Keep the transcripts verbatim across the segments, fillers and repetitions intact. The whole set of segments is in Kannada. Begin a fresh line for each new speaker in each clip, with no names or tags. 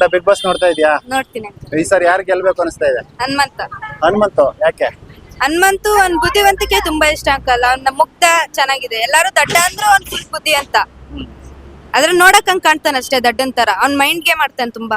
ಪುಟ ಬಿಗ್ ಬಾಸ್ ನೋಡ್ತಾ ಇದೀಯಾ?
ನೋಡ್ತೀನಿ ಅಂಕಲ್.
ಈ ಸರಿ ಯಾರು ಗೆಲ್ಬೇಕು ಅನಿಸ್ತಾ ಇದೆ?
ಹನುಮಂತ
ಹನುಮಂತು ಯಾಕೆ?
ಹನುಮಂತು ಅವ್ನ್ ಬುದ್ಧಿವಂತಿಕೆ ತುಂಬಾ ಇಷ್ಟ ಅಂಕಲ್. ಅವ್ನ ಮುಗ್ಧ ಚೆನ್ನಾಗಿದೆ. ಎಲ್ಲಾರು ದಡ್ಡ ಅಂದ್ರು ಅವ್ನ್ ಫುಲ್ ಬುದ್ಧಿ ಅಂತ. ಅದ್ರ ನೋಡಕ್ ಹಂಗ್ ಕಾಣ್ತಾನ ಅಷ್ಟೇ ದಡ್ಡನ್ ತರ. ಅವ್ನ್ ಮೈಂಡ್ ಗೇಮ್ ಆಡ್ತಾನೆ ತುಂಬಾ.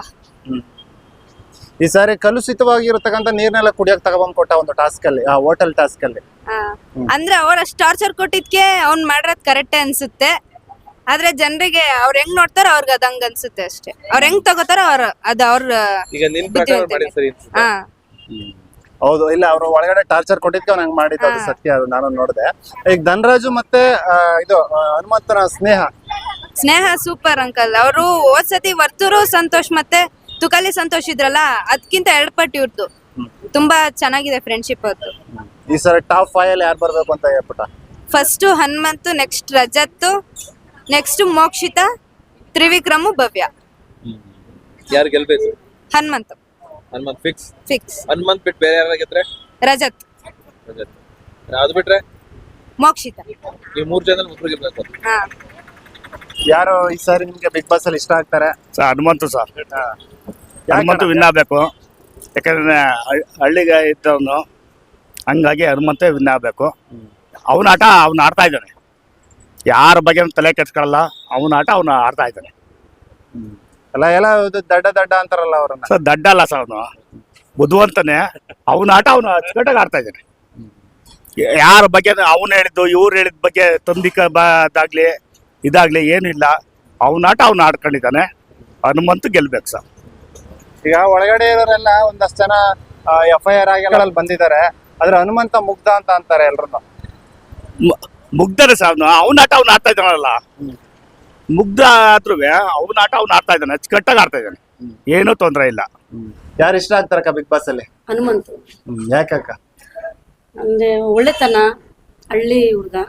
ಈ ಸಾರಿ ಕಲುಷಿತವಾಗಿರತಕ್ಕಂತ ನೀರ್ನೆಲ್ಲ ಕುಡಿಯಕ್ ತಗೊಬಂದ್ ಕೊಟ್ಟ ಒಂದು ಟಾಸ್ಕ್ ಅಲ್ಲಿ, ಆ ಹೋಟೆಲ್ ಟಾಸ್ಕ್ ಅಲ್ಲಿ.
ಆ, ಅಂದ್ರೆ ಅವ್ರ ಅಷ್ಟ್ ಟಾರ್ಚರ್ ಕೊಟ್ಟಿದ್ಕೆ ಅವ್ನ್ ಮಾಡಿರೋದ್ ಕರೆಕ್ಟೇ ಅನ್ಸುತ್ತೆ. ಆದ್ರೆ ಜನರಿಗೆ ಅವ್ರ ಹೆಂಗ್ ನೋಡ್ತಾರ ಅವ್ರಿಗೆ ಅದ್ ಹಂಗ ಅನ್ಸುತ್ತೆ ಅಷ್ಟೇ. ಅವ್ರ ಹೆಂಗ್ ತಗೋತಾರ ಅವ್ರ ಅದ್ ಅವ್ರ
ಈಗ ನಿನ್ ಪ್ರಕಾರ ಮಾಡಿದ್ ಸರಿ ಅನ್ಸುತ್ತಾ?
ಹಾ
ಹೌದು, ಇಲ್ಲ ಅವ್ರು ಒಳಗಡೆ ಟಾರ್ಚರ್ ಕೊಟ್ಟಿದ್ಕೆ ಅವ್ನ ಹಂಗ್ ಮಾಡಿದ್ದು, ಅದು ಸತ್ಯ, ಅದು ನಾನು ನೋಡಿದೆ. ಈಗ ಧನರಾಜು ಮತ್ತೆ ಆ, ಇದು ಆ, ಹನುಮಂತನ ಸ್ನೇಹ
ಸ್ನೇಹ ಸೂಪರ್ ಅಂಕಲ್. ಅವರು ಹೋದ್ ಸತಿ ವರ್ತೂರು ಸಂತೋಷ್ ಮತ್ತೆ ತುಕಾಲಿ ಸಂತೋಷ್ ಇದ್ರಲ್ಲ, ಅದ್ಕಿಂತ ಎರಡ್ ಪಟ್ಟು ಇವ್ರದ್ದು. ತುಂಬಾ ಚೆನ್ನಾಗಿದೆ ಫ್ರೆಂಡ್ಶಿಪ್ ಅವ್ರದ್ದು.
ಈ ಸರಿ ಟಾಪ್ ಫೈವ್ ಅಲ್ಲಿ ಯಾರು ಬರ್ಬೇಕು ಅಂತ ಹೇಳ್ಬಿಟ್ಟ?
First Hanumanthu, next Rajat, next Mokshitha, Trivikram, Bhavya.
ಯಾರು ಗೆಲ್ಬೇಕು?
ಹನುಮಂತು
ಹನುಮಂತ್ ಫಿಕ್ಸ್.
ಫಿಕ್ಸ್.
ಹನುಮಂತ್ ಬಿಟ್ಟು ಬೇರೆ ಯಾರು ಗೆದ್ರೆ?
ರಜತ್,
ರಜತ್. ಅದು ಬಿಟ್ರೆ
ಮೋಕ್ಷಿತಾ.
ಈ ಮೂರ್ ಜನ ಮುಗ್ರು ಗೆಲ್ಬೇಕು.
ಹಾ
ಯಾರು ಈ ಸಾರಿ ನಿಮ್ಗೆ ಬಿಗ್ ಬಾಸ್ ಅಲ್ಲಿ ಇಷ್ಟ ಆಗ್ತಾರೆ?
Sir Hanumanthu sir.
ಹಾ.
ಹನುಮಂತು ವಿನ್ ಆಗಬೇಕು. ಯಾಕಂದ್ರೆ ಹಳ್- ಹಳ್ಳಿಗೆ ಇದ್ದವನು, ಹಂಗಾಗಿ ಹನುಮಂತ ವಿನ್ ಆಗಬೇಕು. ಅವನ ಆಟ ಅವ್ನು ಆಡ್ತಾ ಇದ್ದಾನೆ. ಯಾರ ಬಗ್ಗೆ ತಲೆ ಕೆಡ್ಸ್ಕೊಳ್ಳಲ್ಲ. ಅವನ ಆಟ ಅವನು ಆಡ್ತಾ ಇದ್ದಾನೆ.
ಅಲ್ಲ, ಎಲ್ಲ ಇದು ದಡ್ಡ ದಡ್ಡ ಅಂತಾರಲ್ಲ ಅವ್ರನ್ನ.
ಸರ್ ದಡ್ಡ ಅಲ್ಲ ಸರ್, ಅವನು ಬುದ್ಧಿವಂತನೇ. ಅವನ ಆಟ ಅವನು ಅಚ್ಚುಕಟ್ಟಾಗಿ ಆಡ್ತಾ ಇದ್ದಾನೆ. ಯಾರ ಬಗ್ಗೆ ಅವನು ಹೇಳಿದ್ದು ಇವ್ರು ಹೇಳಿದ ಬಗ್ಗೆ ತಂದಿಕ ಬಾದಾಗ್ಲಿ ಇದಾಗ್ಲಿ ಏನಿಲ್ಲ. ಅವನ ಆಟ ಅವ್ನು ಆಡ್ಕೊಂಡಿದ್ದಾನೆ. ಹನುಮಂತು ಗೆಲ್ಬೇಕು ಸರ್.
ಈಗ ಒಳಗಡೆ ಇರೋರೆಲ್ಲ ಒಂದಷ್ಟು ಜನ ಎಫ್ ಐ ಆರ್ ಆಗಿ ಬಂದಿದ್ದಾರೆ. ಆದ್ರೆ ಹನುಮಂತ ಮುಗ್ಧ ಅಂತ ಅಂತಾರೆ ಎಲ್ರು.
ಮು- ಮುಗ್ಧನೇ ಸರ್ ಅವನು. ಅವನ ಆಟ ಅವ್ನು ಆಡ್ತಾ ಇದ್ದಾನಲ್ಲ. ಮುಗ್ಧ ಆದ್ರೂ ಅವನ ಆಟ ಅವ್ನು ಆಡ್ತಾ ಇದ್ದಾನೆ. ಅಚ್ಚುಕಟ್ಟಾಗಿ ಆಡ್ತಾ ಇದ್ದಾನೆ. ಏನೂ ತೊಂದರೆ ಇಲ್ಲ.
ಯಾರು ಇಷ್ಟ ಆಗ್ತಾರಕ್ಕ ಬಿಗ್ ಬಾಸ್ ಅಲ್ಲಿ?
ಹನುಮಂತು
ಯಾಕಕ್ಕ?
ಅಂದ್ರೆ ಒಳ್ಳೆತನ, ಹಳ್ಳಿ ಹುಡುಗ,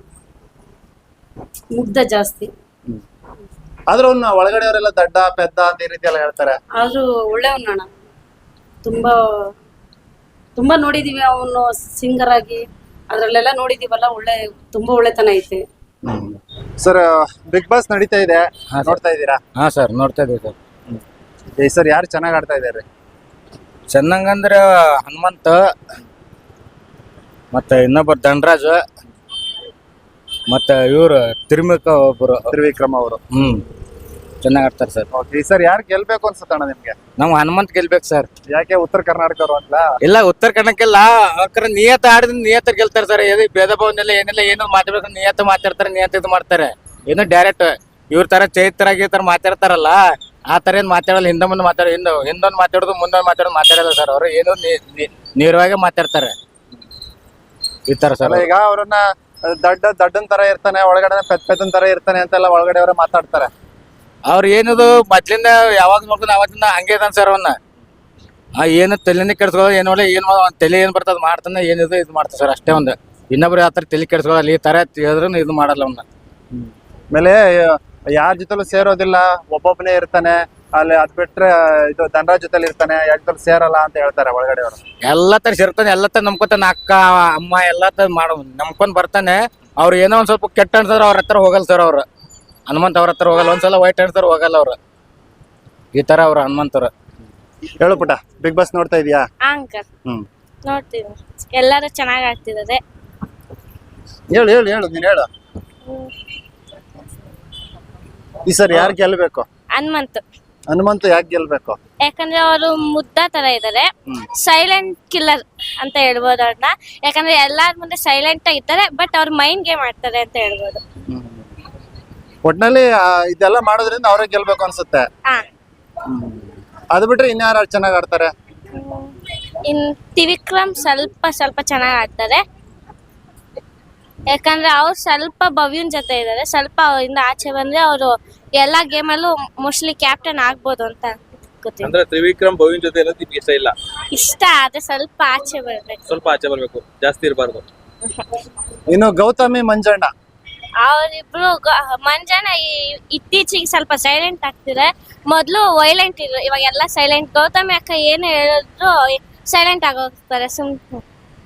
ಮುಗ್ಧ ಜಾಸ್ತಿ.
ಆದ್ರೂ ಅವ್ನ ಒಳಗಡೆ ಅವರೆಲ್ಲ ದಡ್ಡ ಪೆದ್ದ ಅಂತ ಈ ರೀತಿ ಎಲ್ಲ ಹೇಳ್ತಾರೆ.
ಆದ್ರೂ ಒಳ್ಳೆಯವನಣ್ಣ. ತುಂಬಾ ತುಂಬಾ ನೋಡಿದೀವಿ ಅವನು ಸಿಂಗರ್ ಆಗಿ, ಅದ್ರಲ್ಲೆಲ್ಲ ನೋಡಿದೀವಲ್ಲ. ಒಳ್ಳೆ ತುಂಬಾ ಒಳ್ಳೆತನ ಐತೆ.
ಸರ್, ಬಿಗ್ ಬಾಸ್ ನಡೀತಾ ಇದೆ, ನೋಡ್ತಾ ಇದ್ದೀರಾ?
ಹಾ ಸರ್, ನೋಡ್ತಾ ಇದೀವಿ ಸರ್.
ಈ ಸರ್ ಯಾರು ಚೆನ್ನಾಗ್ ಆಡ್ತಾ ಇದ್ದಾರೆ?
ಚೆನ್ನಾಗಂದ್ರ ಹನುಮಂತ, ಮತ್ತೆ ಇನ್ನೊಬ್ಬರು ಧನರಾಜ್, ಮತ್ತೆ ಇವ್ರು ತಿರುಮಿಕ ಒಬ್ಬರು
ತ್ರಿವಿಕ್ರಮ್ ಅವರು.
ಹ್ಮ್ ಚೆನ್ನಾಗ್ ಆಡ್ತಾರೆ ಸರ್.
ಈ ಸರ್ ಯಾರು ಗೆಲ್ಬೇಕು ಅನ್ಸುತ್ತಣ್ಣ ನಿಮ್ಗೆ?
ನಾವು ಹನುಮಂತ್ ಗೆಲ್ಬೇಕು ಸರ್.
ಯಾಕೆ ಉತ್ತರ ಕರ್ನಾಟಕರು ಅಂತ?
ಇಲ್ಲ, ಉತ್ತರ ಕನ್ನಡಕ್ಕೆಲ್ಲ ಅವ್ರ ನಿಯತ ಆಡಿದ್ರೆ ನಿಯತ ಗೆಲ್ತಾರೆ ಸರ್. ಎದು ಭೇದ ಭಾವನೆಲ್ಲ ಏನೆಲ್ಲ ಏನೋ ಮಾತಾಡ್ಬೇಕು, ನಿಯತ ಮಾತಾಡ್ತಾರೆ, ನಿಯತ ಇದು ಮಾಡ್ತಾರೆ. ಏನು ಡೈರೆಕ್ಟ್ ಇವ್ರ ತರ ಚೈತ್ರ ತರ ಮಾತಾಡ್ತಾರಲ್ಲ, ಆ ತರ ಏನ್ ಮಾತಾಡಲ್ಲ. ಹಿಂದೆ ಮುಂದೆ ಮಾತಾಡೋ, ಹಿಂದೆ ಹಿಂದೊಂದು ಮಾತಾಡೋದು ಮುಂದೊಂದು ಮಾತಾಡೋದು ಮಾತಾಡಲ್ಲ ಸರ್. ಅವರು ಏನೋ ನೇರವಾಗಿ ಮಾತಾಡ್ತಾರೆ ಈ ತರ ಸರ್.
ಈಗ ಅವ್ರನ್ನ ದಡ್ಡ ದಡ್ಡನ್ ತರ ಇರ್ತಾನೆ, ಒಳಗಡೆ ಪೆದ್ ಪೆದ್ದನ್ ತರ ಇರ್ತಾನೆ ಅಂತೆಲ್ಲ ಒಳಗಡೆ ಅವರೇ ಮಾತಾಡ್ತಾರೆ.
ಅವ್ರ ಏನದು ಮೊದ್ಲಿಂದ ಯಾವಾಗ ನೋಡ್ಕೊಂಡು ಅವತ್ತಿಂದ ಹಂಗೆ ಇದಾನ ಸರ್. ಅವನ್ನ ಆ ಏನು ತಲೆನೇ ಕೆಡ್ಸ್ಕೊಳ್ಳೋ ಏನೋ ಏನ್ ತಲೆ ಏನ್ ಬರ್ತದ ಮಾಡ್ತಾನೆ, ಏನಿದು ಇದು ಮಾಡ್ತಾನೆ ಸರ್. ಅಷ್ಟೇ ಒಂದು. ಇನ್ನೊಬ್ರು ಯಾವ ತರ ತಲೆ ಕೆಡ್ಸ್ಕೊಳ್ಳಲ್ಲ. ಈ ತರ ಹೇಳಿದ್ರು ಇದು ಮಾಡಲ್ಲ ಅವನ್ನ.
ಆಮೇಲೆ ಯಾರ ಜೊತೆಲೂ ಸೇರೋದಿಲ್ಲ, ಒಬ್ಬೊಬ್ಬನೇ ಇರ್ತಾನೆ. ಅಲ್ಲಿ ಅದ್ ಬಿಟ್ರೆ ಇದು ಧನರಾಜ್ ಜೊತೆಲಿ ಇರ್ತಾನೆ, ಯಾರ ಜೊತೆ ಸೇರಲ್ಲ ಅಂತ ಹೇಳ್ತಾರೆ ಒಳಗಡೆ ಅವರು.
ಎಲ್ಲಾ ತರ ಸೇರ್ತಾನೆ, ಎಲ್ಲಾ ತರ ನಂಬ್ಕೊತಾನೆ. ಅಕ್ಕ ಅಮ್ಮ ಎಲ್ಲಾ ತರ ಮಾಡ ನಂಬ್ಕೊಂಡ್ ಬರ್ತಾನೆ. ಅವ್ರು ಏನೋ ಒಂದ್ ಸ್ವಲ್ಪ ಕೆಟ್ಟ ಅನ್ಸದ್ರ ಅವ್ರ ಹತ್ರ ಹೋಗಲ್ಲ ಸರ್. ಅವ್ರು ಹನುಮಂತ ಅವ್ರ ಹತ್ರ ಹೋಗಲ್ಲ. ಒಂದ್ಸಲ ವೈಟ್ ಅನ್ಸರ್ ಹೋಗಲ್ಲ ಅವ್ರು. ಈ ತರ ಅವ್ರು ಹನುಮಂತರು.
ಹೇಳು ಪುಟ, ಬಿಗ್ ಬಾಸ್ ನೋಡ್ತಾ ಇದೀಯಾ?
ಅಂಕಲ್
ಹ್ಮ್
ನೋಡ್ತೀವಿ. ಎಲ್ಲರೂ ಚೆನ್ನಾಗಿ ಆಗ್ತಿದ್ದಾರೆ.
ಹೇಳು ಹೇಳು ಹೇಳು ನೀನ್ ಹೇಳು. ಈ ಸರ್ ಯಾರು ಗೆಲ್ಬೇಕು?
ಹನುಮಂತು.
ಹನುಮಂತ ಯಾಕೆ ಗೆಲ್ಬೇಕು?
ಯಾಕಂದ್ರೆ ಅವರು ಮುದ್ದ ತರ ಇದ್ದಾರೆ. ಸೈಲೆಂಟ್ ಕಿಲ್ಲರ್ ಅಂತ ಹೇಳ್ಬೋದು ಅವ್ರನ್ನ. ಯಾಕಂದ್ರೆ ಎಲ್ಲಾರ ಮುಂದೆ ಸೈಲೆಂಟ್ ಆಗಿರ್ತಾರೆ, ಬಟ್ ಅವ್ರ ಮೈಂಡ್ ಗೇಮ್ ಆಡ್ತಾರೆ ಅಂತ ಹೇಳ್ಬೋದು.
ಒಟ್ನಲ್ಲಿ ಆ, ಇದೆಲ್ಲ ಮಾಡೋದ್ರಿಂದ ಅವರೇ ಗೆಲ್ಬೇಕು ಅನ್ಸುತ್ತೆ.
ಹಾ
ಅದು ಬಿಟ್ರೆ ಇನ್ಯಾರು ಚೆನ್ನಾಗ್ ಆಡ್ತಾರೆ?
ಇನ್ ತ್ರಿವಿಕ್ರಮ್ ಸ್ವಲ್ಪ ಸ್ವಲ್ಪ ಚೆನ್ನಾಗಿ ಆಡ್ತಾರೆ. ಯಾಕಂದ್ರೆ ಅವ್ರು ಸ್ವಲ್ಪ ಭವ್ಯನ್ ಜೊತೆ ಇದ್ದಾರೆ. ಸ್ವಲ್ಪ ಅವರಿಂದ ಆಚೆ ಬಂದ್ರೆ ಅವರು ಎಲ್ಲಾ ಗೇಮಲ್ಲೂ ಮೋಸ್ಟ್ಲಿ ಕ್ಯಾಪ್ಟನ್ ಆಗ್ಬೋದು ಅಂತ ಗೊತ್ತಿಲ್ಲ.
ಅಂದ್ರೆ ತ್ರಿವಿಕ್ರಮ್ ಭವಿನ್ ಜೊತೆ ಇರೋದು ನಿಮ್ಗೆ ಇಷ್ಟ ಇಲ್ಲ?
ಇಷ್ಟ, ಆದ್ರೆ ಸ್ವಲ್ಪ ಆಚೆ ಬರ್ಬೇಕು.
ಸ್ವಲ್ಪ ಆಚೆ ಬರ್ಬೇಕು, ಜಾಸ್ತಿ ಇರಬಾರ್ದು.
ಇನ್ನು ಗೌತಮಿ ಮಂಜಣ್ಣ
ಅವರಿಬ್ರು ಮಂಜಣ್ಣ ಇತ್ತೀಚೆಗೆ ಸ್ವಲ್ಪ ಸೈಲೆಂಟ್ ಆಗ್ತಿದೆ. ಮೊದ್ಲು ವೈಲೆಂಟ್ ಇದ್ರು, ಇವಾಗ ಎಲ್ಲ ಸೈಲೆಂಟ್. ಗೌತಮಿ ಅಕ್ಕ ಏನು ಹೇಳಿದ್ರು ಸೈಲೆಂಟ್ ಆಗೋಗ್ತಾರೆ ಸುಮ್ನೆ.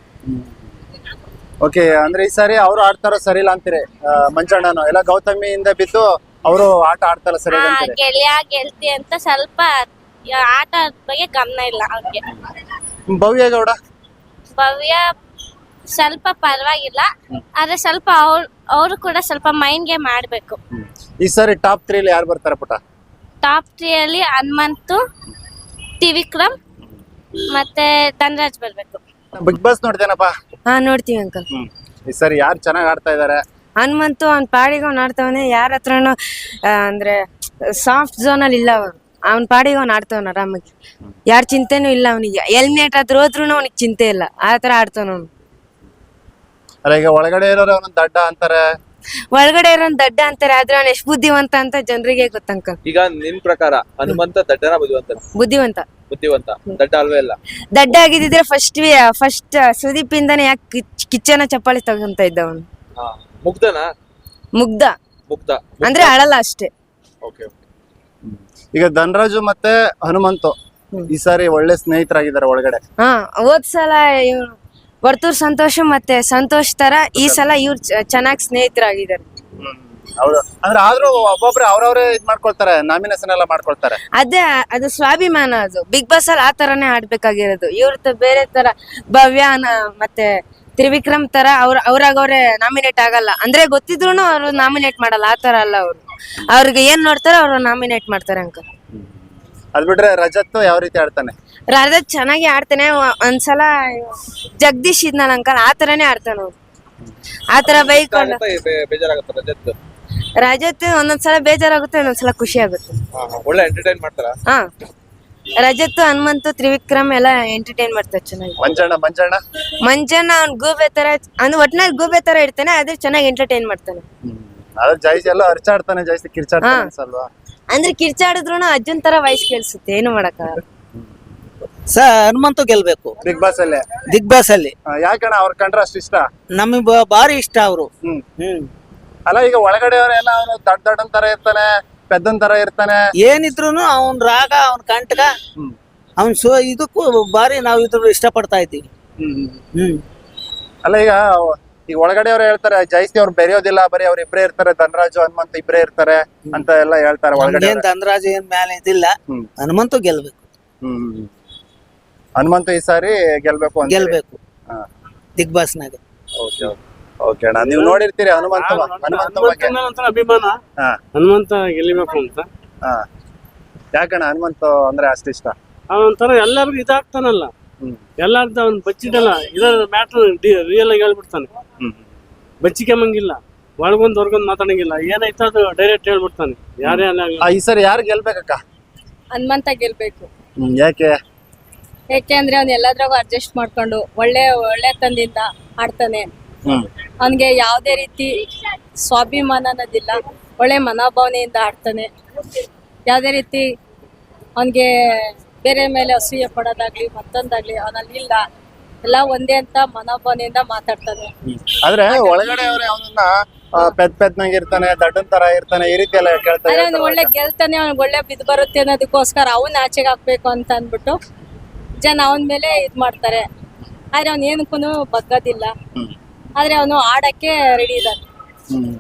ಓಕೆ, ಅಂದ್ರೆ ಈ ಸಾರಿ ಅವ್ರು ಆಡ್ತಾರೋ ಸರಿ ಇಲ್ಲ ಅಂತೀರಿ? ಮಂಜಣ್ಣನು ಎಲ್ಲ ಗೌತಮಿಯಿಂದ ಬಿದ್ದು ಅವರು ಆಟ ಆಡ್ತಾರ ಸರಿ
ಹಾ,
ಅಂತೀರಿ?
ಗೆಳೆಯ ಗೆಲ್ತಿ ಅಂತ ಸ್ವಲ್ಪ ಆಟ ಬಗ್ಗೆ ಗಮನ ಇಲ್ಲ ಅವ್ರಿಗೆ.
ಭವ್ಯ ಗೌಡ
ಭವ್ಯ ಸ್ವಲ್ಪ ಪರವಾಗಿಲ್ಲ, ಆದ್ರೆ ಸ್ವಲ್ಪ ಅವ್ರು ಅವರು ಕೂಡ ಸ್ವಲ್ಪ ಮೈಂಡ್ ಗೇಮ್ ಆಡ್ಬೇಕು.
ಈ ಸಾರಿ ಟಾಪ್ ತ್ರೀಲಿ ಯಾರು ಬರ್ತಾರೆ ಪುಟ?
ಟಾಪ್ ತ್ರೀ ಅಲ್ಲಿ ಹನುಮಂತು, ತ್ರಿವಿಕ್ರಮ್ ಮತ್ತೆ ಧನರಾಜ್ ಬರ್ಬೇಕು.
ಬಿಗ್ ಬಾಸ್ ನೋಡ್ತೇನಪ್ಪ?
ಹಾ ನೋಡ್ತೀವಿ ಅಂಕಲ್.
ಈ ಸಾರಿ ಯಾರು ಚೆನ್ನಾಗ್ ಆಡ್ತಾ ಇದಾರೆ?
ಹನುಮಂತು ಅವ್ನ ಪಾಡಿಗೆ ಅವ್ನು ಆಡ್ತಾವನೆ, ಯಾರ ಹತ್ರನು ಅಂದ್ರೆ ಸಾಫ್ಟ್ ಝೋನ್ ಅಲ್ಲಿ ಇಲ್ಲ ಅವನು. ಅವ್ನ ಪಾಡಿಗೆ ಅವ್ನು ಆಡ್ತಾವನ ಆರಾಮಾಗಿ, ಯಾರ ಚಿಂತೆನೂ ಇಲ್ಲ ಅವನಿಗೆ. ಎಲಿಮಿನೇಟ್ ಆದ್ರೂ ಹೋದ್ರು ಅವನಿಗೆ ಚಿಂತೆ ಇಲ್ಲ, ಆ ತರ ಆಡ್ತಾನ ಅವ್ನು.
ಅಲ್ಲ ಈಗ ಒಳಗಡೆ ಇರೋರು ಅವನು ದಡ್ಡ ಅಂತಾರೆ,
ಒಳಗಡೆ ಇರೋನ್ ದಡ್ಡ ಅಂತಾರೆ, ಆದ್ರೆ ಅವ್ನು ಎಷ್ಟು ಬುದ್ಧಿವಂತ ಅಂತ ಜನರಿಗೆ ಗೊತ್ತಂಕಲ್.
ಈಗ ನಿಮ್ ಪ್ರಕಾರ ಹನುಮಂತ ದಡ್ಡನ ಬುದ್ಧಿವಂತ?
ಬುದ್ಧಿವಂತ.
ಬುದ್ಧಿವಂತ, ದಡ್ಡ ಅಲ್ವೇ ಇಲ್ಲ.
ದಡ್ಡ ಆಗಿದ್ರೆ ಫಸ್ಟ್ ಫಸ್ಟ್ ಸುದೀಪ್ ಇಂದಾನೆ ಯಾಕೆ ಕಿಚ್ಚನ ಚಪ್ಪಾಳಿ ತಗೊಂತ ಇದ್ದ ಅವನು.
ಮುಗ್ಧನ?
ಮುಗ್ಧ
ಮುಗ್ಧ
ಅಂದ್ರೆ ಅಳಲ್ಲ ಅಷ್ಟೇ.
ಓಕೆ.
ಈಗ ಧನರಾಜು ಮತ್ತೆ ಹನುಮಂತು ಈ ಸಾರಿ ಒಳ್ಳೆ ಸ್ನೇಹಿತರಾಗಿದ್ದಾರೆ ಒಳಗಡೆ.
ಹಾ ಹೋದ್ ಸಲ ಇವ್ರು ವರ್ತೂರ್ ಸಂತೋಷ್ ಮತ್ತೆ ಸಂತೋಷ್ ತರ ಈ ಸಲ ಇವ್ರು ಚೆನ್ನಾಗಿ ಸ್ನೇಹಿತರಾಗಿದ್ದಾರೆ.
ಹೌದು, ಅಂದ್ರೆ ಆದ್ರೂ ಒಬ್ಬೊಬ್ರೆ ಅವ್ರವ್ರೇ ಇದ್ ಮಾಡ್ಕೊಳ್ತಾರೆ, ನಾಮಿನೇಷನ್ ಎಲ್ಲ ಮಾಡ್ಕೊಳ್ತಾರೆ.
ಅದೇ ಅದು ಸ್ವಾಭಿಮಾನ, ಅದು ಬಿಗ್ ಬಾಸ್ ಅಲ್ಲಿ ಆ ತರಾನೇ ಆಡ್ಬೇಕಾಗಿರೋದು. ಇವ್ರ ಬೇರೆ ತರ ಭವ್ಯ ನ- ಮತ್ತೆ ತ್ರಿವಿಕ್ರಮ್ ತರ ಅವ್ರ ಅವ್ರಾಗ ಅವ್ರೆ ನಾಮಿನೇಟ್ ಆಗಲ್ಲ, ಅಂದ್ರೆ ಗೊತ್ತಿದ್ರು ಅವ್ರು ನಾಮಿನೇಟ್ ಮಾಡಲ್ಲ, ಆ ತರ ಅಲ್ಲ ಅವ್ರು. ಅವ್ರಿಗೆ ಏನ್ ನೋಡ್ತಾರೋ ಅವ್ರು ನಾಮಿನೇಟ್ ಮಾಡ್ತಾರೆ ಅಂಕಲ್.
ಅದ್ ಬಿಟ್ರೆ ರಜತ್ ಯಾವ ರೀತಿ ಆಡ್ತಾನೆ?
ರಾಧತ್ ಚೆನ್ನಾಗಿ ಆಡ್ತಾನೆ. ಒ- ಒಂದ್ಸಲ ಜಗದೀಶ್ ಇದ್ನಲ್ಲ ಅಂಕಲ್, ಆ ತರಾನೇ ಆಡ್ತಾನ ಅವ್ರು. ಆ ತರ ಬೈಕೊಂಡು
ಬೇಜಾರಾಗತ್ತ ರಜತ್?
ರಜತ್ ಒಂದೊಂದ್ಸಲ ಬೇಜಾರಾಗುತ್ತೆ, ಒಂದೊಂದ್ಸಲ ಖುಷಿ ಆಗುತ್ತೆ.
ಒಳ್ಳೆ ಎಂಟರ್ಟೈನ್ ಮಾಡ್ತಾರ?
ಹಾ ರಜತ್, ಹನುಮಂತು, ತ್ರಿವಿಕ್ರಮ್ ಎಲ್ಲ ಎಂಟರ್ಟೈನ್ ಮಾಡ್ತಾರೆ ಚೆನ್ನಾಗಿ.
ಮಂಜಣ್ಣ ಮಂಜಣ್ಣ
ಮಂಜಣ್ಣ ಅವ್ನ್ ಗೂಬೆ ತರ ಅಂದ್ರೆ ಒಟ್ನಲ್ಲಿ ಗೂಬೆ ತರ ಇರ್ತಾನೆ, ಆದ್ರೆ ಚೆನ್ನಾಗಿ ಎಂಟರ್ಟೈನ್ ಮಾಡ್ತಾನೆ.
ಅದ್ರ ಜೈಸ್ ಎಲ್ಲ ಅರ್ಚಾಡ್ತಾನೆ, ಜಾಸ್ತಿ ಕಿರ್ಚಾಡ್ತಾನೆ
ಹಾ.
ಅನ್ಸಲ್ವಾ?
ಅಂದ್ರೆ ಕಿರ್ಚಾಡಿದ್ರು ಅಜ್ಜನ್ ತರ ವಾಯ್ಸ್ ಕೇಳಿಸುತ್ತೆ, ಏನು ಮಾಡಕ್ಕಾಗಲ್ಲ.
ಸರ್ ಹನುಮಂತು ಗೆಲ್ಬೇಕು
ಬಿಗ್ ಬಾಸ್ ಅಲ್ಲಿ.
ಬಿಗ್ ಬಾಸ್ ಅಲ್ಲಿ.
ಆ, ಯಾಕಣ್ಣ ಅವ್ರ ಕಂಡ್ರೆ ಅಷ್ಟು ಇಷ್ಟ?
ನಮಗೆ ಬ- ಭಾರಿ ಇಷ್ಟ ಅವರು.
ಹ್ಮ್
ಹ್ಮ್
ಅಲ್ಲ ಈಗ ಒಳಗಡೆ ಅವರೆಲ್ಲ ಅವನು ದಡ್ ದಡ್ಡನ್ ತರ ಇರ್ತಾನೆ, ಪೆದ್ದನ್ ತರ ಇರ್ತಾನೆ.
ಏನಿದ್ರು ಅವನ್ ರಾಗ ಅವನ್ ಕಂಟಕ
ಹ್ಮ್.
ಅವನ್ ಸೊ ಇದಕ್ಕೂ ಭಾರಿ ನಾವು ಇದ್ರ ಇಷ್ಟ ಪಡ್ತಾ ಇದ್ದೀವಿ.
ಹ್ಮ್
ಹ್ಮ್
ಅಲ್ಲ ಈಗ ಈಗ ಒಳಗಡೆ ಅವ್ರು ಹೇಳ್ತಾರೆ ಜಾಸ್ತಿ ಅವ್ರು ಬೆರೆಯೋದಿಲ್ಲ, ಬರೀ ಅವ್ರ ಇಬ್ರೇ ಇರ್ತಾರೆ, ಧನರಾಜು ಹನುಮಂತ ಇಬ್ರೇ ಇರ್ತಾರೆ ಅಂತ ಎಲ್ಲ ಹೇಳ್ತಾರೆ ಒಳಗಡೆ.
ಏನ್ ಧನರಾಜ್ ಏನ್ ಮೇಲೆ ಇದಿಲ್ಲ.
ಹ್ಮ್.
ಹನುಮಂತು ಗೆಲ್ಬೇಕು.
ಹ್ಮ್ ಹನುಮಂತ ಈ ಸಾರಿ ಗೆಲ್ಬೇಕು ಅಂತ.
ಗೆಲ್ಬೇಕು
ಹಾ.
ಬಿಗ್ ಬಾಸ್ ನಾಗ.
ಓಕೆ ಓಕೆ ಅಣ್ಣ, ನೀವು ನೋಡಿರ್ತೀರಿ ಹನುಮಂತ ಹನುಮಂತ ಬಗ್ಗೆ?
ಒಂಥರ ಅಭಿಮಾನ,
ಹಾ
ಹನುಮಂತ ಗೆಲ್ಲಿಬೇಕು ಅಂತ.
ಹಾ ಯಾಕಣ್ಣ ಹನುಮಂತ ಅಂದ್ರೆ ಅಷ್ಟು ಇಷ್ಟ?
ಅವನೊಂಥರ ಎಲ್ಲರಿಗೂ ಇದಾಗ್ತಾನಲ್ಲ,
ಹ್ಮ್
ಎಲ್ಲಾರ್ದು ಅವ್ನು ಬಚ್ಚಿದಲ್ಲ, ಇದರ ಮ್ಯಾಟ್ರ್ ರಿಯಲ್ ಆಗಿ ಹೇಳ್ಬಿಡ್ತಾನೆ.
ಹ್ಮ್
ಬಚ್ಚಿಕೆಂಬಂಗಿಲ್ಲ, ಒಳಗೊಂದು ಹೊರಗೊಂದು ಮಾತಾಡಂಗಿಲ್ಲ, ಏನಾಯ್ತು ಅದು ಡೈರೆಕ್ಟ್ ಹೇಳ್ಬಿಡ್ತಾನೆ. ಯಾರೇ ಅಲ್ಲ
ಆ, ಈ ಸರಿ ಯಾರು ಗೆಲ್ಬೇಕಕ್ಕ?
ಹನುಮಂತ ಗೆಲ್ಬೇಕು.
ಹ್ಮ್ ಯಾಕೆ?
ಯಾಕೆ ಅಂದ್ರೆ ಅವ್ನು ಎಲ್ಲದ್ರಾಗೂ ಅಡ್ಜಸ್ಟ್ ಮಾಡ್ಕೊಂಡು ಒಳ್ಳೆ ಒಳ್ಳೆ ತಂದಿಂದ ಆಡ್ತಾನೆ.
ಹ್ಮ್
ಅವನ್ಗೆ ಯಾವ್ದೇ ರೀತಿ ಸ್ವಾಭಿಮಾನ ಅನ್ನೋದಿಲ್ಲ, ಒಳ್ಳೆ ಮನೋಭಾವನೆಯಿಂದ ಆಡ್ತಾನೆ. ಯಾವ್ದೇ ರೀತಿ ಅವನ್ಗೆ ಬೇರೆ ಮೇಲೆ ಅಸೂಯೆ ಪಡೋದಾಗ್ಲಿ ಮತ್ತೊಂದಾಗ್ಲಿ ಅವನಲ್ಲಿ ಇಲ್ಲ, ಎಲ್ಲ ಒಂದೇ ಅಂತ ಮನೋಭಾವನೆಯಿಂದ ಮಾತಾಡ್ತಾನೆ.
ಆದ್ರೆ ಒಳಗಡೆ ಅವ್ರೆ ಅವನನ್ನ ಪೆದ್ ಪೆದ್ನಂಗ್ ಇರ್ತಾನೆ, ದಡ್ಡನ್ ತರ ಇರ್ತಾನೆ, ಈ ರೀತಿ ಎಲ್ಲ ಕೇಳ್ತಾ
ಆದ್ರೆ ಅವ್ನು
ಇರ್ತಾರೆ.
ಒಳ್ಳೆ ಗೆಲ್ತಾನೆ, ಅವ್ನಿಗೆ ಒಳ್ಳೆ ಬಿದ್ದು ಬರುತ್ತೆ ಅನ್ನೋದಕ್ಕೋಸ್ಕರ ಅವ್ನ ಆಚೆಗೆ ಹಾಕ್ಬೇಕು ಅಂತ ಅಂದ್ಬಿಟ್ಟು ಜನ ಅವನ ಮೇಲೆ ಇದ್ ಮಾಡ್ತಾರೆ. ಆದ್ರೆ ಅವ್ನ ಏನಕ್ಕೂ ಬಗ್ಗೋದಿಲ್ಲ,
ಹ್ಮ್.
ಆದ್ರೆ ಅವನು ಆಡಕ್ಕೆ ರೆಡಿ ಇದ್ದಾನೆ.
ಹ್ಮ್.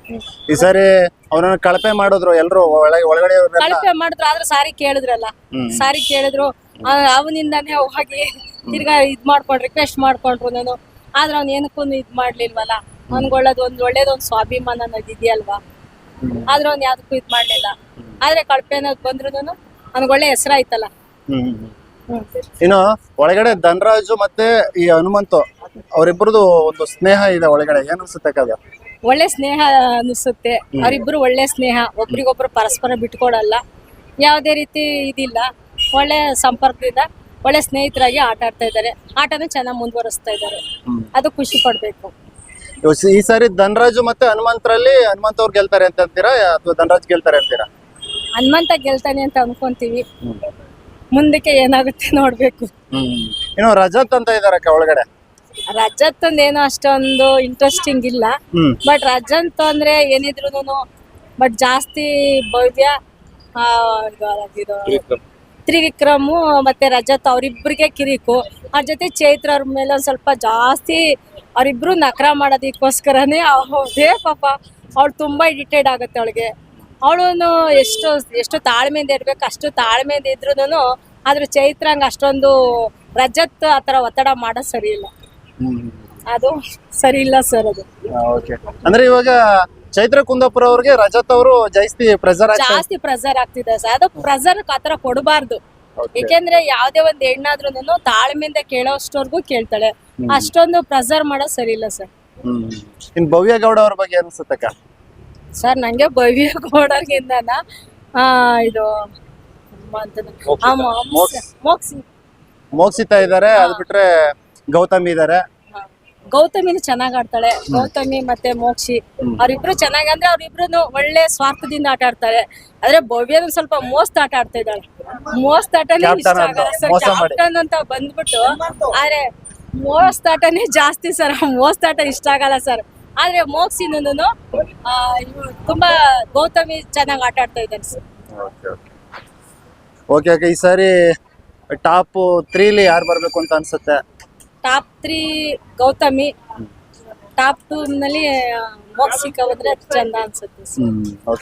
ಈ ಸಾರಿ ಅವನನ್ನ ಕಳಪೆ ಮಾಡಿದ್ರು ಎಲ್ರು ಒಳಗೆ ಒಳಗಡೆ ಅವ್ರೆಲ್ಲ.
ಕಳಪೆ ಮಾಡಿದ್ರು, ಆದ್ರೆ ಸಾರಿ ಕೇಳಿದ್ರಲ್ಲ,
ಹ್ಮ್.
ಸಾರಿ ಕೇಳಿದ್ರು, ಅವನಿಂದಾನೇ ಹೋಗಿ ತಿರ್ಗಾ ಇದ್ ಮಾಡ್ಕೊಂಡ್ ರಿಕ್ವೆಸ್ಟ್ ಮಾಡ್ಕೊಂಡ್ರು ನಾನು, ಆದ್ರೆ ಅವ್ನ ಏನಕ್ಕೂ ಇದ್ ಮಾಡ್ಲಿಲ್ವಲ್ಲ. ಅವ್ನ್ಗೆ ಒಳ್ಳೇದು ಒಂದ್ ಒಳ್ಳೇದೊಂದ್ ಸ್ವಾಭಿಮಾನ ಅನ್ನೋದು ಇದೆಯಲ್ವಾ, ಆದ್ರೆ ಅವ್ನ್ ಯಾವ್ದಕ್ಕೂ ಇದ್ ಮಾಡ್ಲಿಲ್ಲ. ಆದ್ರೆ ಕಳಪೆ ಅನ್ನೋದು ಬಂದ್ರು ಅವ್ನಿಗೆ ಒಳ್ಳೆ ಹೆಸರಾಯ್ತಲ್ಲ.
ಹ್ಮ್ ಹ್ಮ್. ಇನ್ನು ಒಳಗಡೆ ಧನರಾಜು ಮತ್ತೆ ಈ ಹನುಮಂತು ಅವರಿಬ್ಬರದು ಒಂದು ಸ್ನೇಹ ಇದೆ ಒಳಗಡೆ, ಏನ್ ಅನ್ಸುತ್ತೆ ಅದು?
ಒಳ್ಳೆ ಸ್ನೇಹ ಅನಿಸುತ್ತೆ, ಅವರಿಬ್ರು ಒಳ್ಳೆ ಸ್ನೇಹ, ಒಬ್ರಿಗೊಬ್ರು ಪರಸ್ಪರ ಬಿಟ್ಕೊಡಲ್ಲ, ಯಾವುದೇ ರೀತಿ ಇದಿಲ್ಲ, ಒಳ್ಳೆ ಸಂಪರ್ಕದಿಂದ ಒಳ್ಳೆ ಸ್ನೇಹಿತರಾಗಿ ಆಟ ಆಡ್ತಾ ಇದ್ದಾರೆ. ಆಟನೂ ಚೆನ್ನಾಗಿ ಮುಂದುವರಿಸ್ತಾ ಇದ್ದಾರೆ, ಅದು ಖುಷಿ ಪಡ್ಬೇಕು.
ಈ ಸಾರಿ ಧನರಾಜು ಮತ್ತೆ ಹನುಮಂತರಲ್ಲಿ ಹನುಮಂತ ಅವ್ರು ಗೆಲ್ತಾರೆ ಅಂತ ಅಂತೀರಾ ಅಥವಾ ಧನರಾಜ್ ಗೆಲ್ತಾರೆ ಅಂತೀರಾ?
ಹನುಮಂತ ಗೆಲ್ತಾನೆ ಅಂತ ಅನ್ಕೊಂತೀವಿ, ಮುಂದಕ್ಕೆ ಏನಾಗುತ್ತೆ ನೋಡ್ಬೇಕು.
ಇನ್ನು ರಜತ್ ಅಂತ ಇದಾರಕ್ಕ ಒಳಗಡೆ.
ರಜತ್ ಏನೋ ಅಷ್ಟೊಂದು ಇಂಟ್ರೆಸ್ಟಿಂಗ್ ಇಲ್ಲ,
ಹ್ಮ್
ಬಟ್ ರಜಂತ್ ಅಂದ್ರೆ ಏನಿದ್ರು ಬಟ್ ಜಾಸ್ತಿ ಭವ್ಯ ಆ, ಇದು
ತ್ರಿವಿಕ್ರಮ್.
ತ್ರಿವಿಕ್ರಮು ಮತ್ತೆ ರಜತ್ ಅವರಿಬ್ಬರಿಗೆ ಕಿರಿಕು. ಅವ್ರ ಜೊತೆ ಚೈತ್ರ ಅವ್ರ ಮೇಲೆ ಒಂದ್ ಸ್ವಲ್ಪ ಜಾಸ್ತಿ ಅವರಿಬ್ರು ನಕರ ಮಾಡೋದಕ್ಕೋಸ್ಕರನೇ ಅದೇ ಪಾಪ ಅವಳು ತುಂಬಾ ಇರಿಟೇಟ್ ಆಗುತ್ತೆ ಅವಳಿಗೆ. ಅವಳು ಎಷ್ಟು ಎಷ್ಟು ತಾಳ್ಮೆಯಿಂದ ಇರ್ಬೇಕು ಅಷ್ಟು ತಾಳ್ಮೆಯಿಂದ ಇದ್ರೂನು ಆದ್ರೆ ಚೈತ್ರಂಗ್ ಅಷ್ಟೊಂದು ರಜತ್ ಆತರ ಒತ್ತಡ ಮಾಡೋದ್ ಸರಿ ಇಲ್ಲ. ಅದು ಸರಿ ಇಲ್ಲ ಸರ್ ಅದು.
ಓಕೆ ಅಂದ್ರೆ ಇವಾಗ ಚೈತ್ರ ಕುಂದಾಪುರ ಅವ್ರಿಗೆ ರಜತ್ ಅವರು ಜಾಸ್ತಿ ಪ್ರೆಸರ್
ಜಾಸ್ತಿ ಪ್ರೆಸರ್ ಆಗ್ತಿದೆ ಸರ್. ಅದು ಪ್ರೆಸರ್ ಆತರ ಕೊಡಬಾರ್ದು. ಯಾಕೆಂದ್ರೆ ಯಾವ್ದೇ ಒಂದ್ ಹೆಣ್ಣಾದ್ರೂನು ತಾಳ್ಮೆಯಿಂದ ಕೇಳೋಷ್ಟವರೆಗೂ ಕೇಳ್ತಾಳೆ. ಅಷ್ಟೊಂದು ಪ್ರೆಸರ್ ಮಾಡೋದ್ ಸರಿ ಇಲ್ಲ ಸರ್.
ಹ್ಮ್ ಇನ್ ಭವ್ಯ ಗೌಡ ಅವ್ರ ಬಗ್ಗೆ ಅನ್ಸುತ್ತಕ್ಕ?
ಸರ್ ನಂಗೆ ಭವ್ಯ ಗೌಡರ್ಗಿಂದನ ಆ ಇದು ಆ ಮೊ-
ಮೋಕ್ಸ್-
ಮೋಕ್ಸಿ
ಮೋಕ್ಷಿತಾ ಇದಾರೆ, ಅದ್ ಬಿಟ್ರೆ ಗೌತಮಿ ಇದಾರೆ.
ಗೌತಮಿನು ಚೆನ್ನಾಗ್ ಆಡ್ತಾಳೆ. ಗೌತಮಿ ಮತ್ತೆ ಮೋಕ್ಷಿ ಅವ್ರಿಬ್ರು ಚೆನ್ನಾಗಿ ಅಂದ್ರೆ ಅವ್ರಿಬ್ರು ಒಳ್ಳೆ ಸ್ವಾರ್ಥದಿಂದ ಆಟ ಆಡ್ತಾರೆ. ಆದ್ರೆ ಭವ್ಯನು ಸ್ವಲ್ಪ ಮೋಸ್ತ್ ಆಟ ಆಡ್ತಾ ಇದ್ದಾಳೆ. ಮೋಸ್ತ್ ಆಟನೇ ಇಷ್ಟ
Captain
ಆಗಲ್ಲ
ಅಂತ,
ಸರ್.
ಮೋಸ ಮಾಡಿ.
ಕ್ಯಾಪ್ಟನ್ ಅಂತ ಬಂದ್ಬಿಟ್ಟು ಆದ್ರೆ ಮೋಸ್ತ್ ಆಟನೇ ಜಾಸ್ತಿ ಸರ್. ಮೋಸ್ತ್ ಆಟ ಇಷ್ಟ ಆಗಲ್ಲ ಸರ್. ಆದ್ರೆ ಮೋಕ್ಸಿನೂ ತುಂಬಾ ಗೌತಮಿ ಚೆನ್ನಾಗಿ ಆಟ ಆಡ್ತಾ ಇದ್ದಾನೆ ಸರ್.
ಓಕೆ ಓಕೆ ಈ ಸಾರಿ ಟಾಪ್ ತ್ರೀಲಿ ಯಾರು ಬರ್ಬೇಕು ಅಂತ ಅನ್ಸುತ್ತೆ?
Top three Gautami, top two ನಲ್ಲಿ ಮೋಕ್ಸಿಕ ಬಂದ್ರೆ ಚಂದ ಅನ್ಸುತ್ತೆ ಸರ್.
ಹ್ಮ್